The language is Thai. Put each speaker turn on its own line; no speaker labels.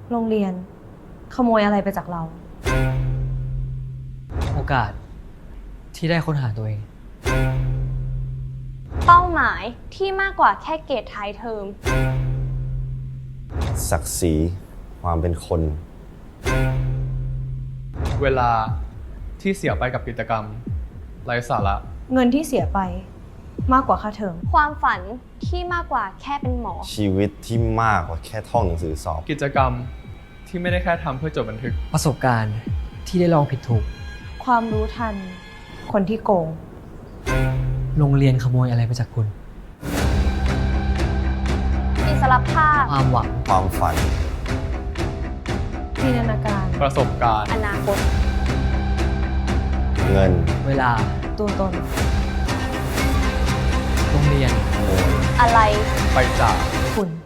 โรงเรียนขโมยอะไรไปจากเรา
โอกาสที่ได้ค้นหาตัวเอง
เป้าหมายที่มากกว่าแค่เกรดท้ายเทอม
ศักดิ์ศรีความเป็นคน
เวลาที่เสียไปกับกิจกรรมไร้สาระ
เงินที่เสียไปมากกว่าค่าเทอม
ความฝันที่มากกว่าแค่เป็นหมอ
ชีวิตที่มากกว่าแค่ท่องหนังสือสอบ
กิจกรรมที่ไม่ได้แค่ทำเพื่อจดบันทึก
ประสบการณ์ที่ได้ลองผิดถูก
ความรู้ทัน คนที่โกง
โรงเรียนขโมยอะไรไปจากคุณ
อิสรภาพ
ความหวัง
ความฝัน
จินตนาการ
ประสบการณ์
อนาคต
เงิน
เวลา
ตัวตน
โรงเรียน
อะไร
ไปจาก
คุณ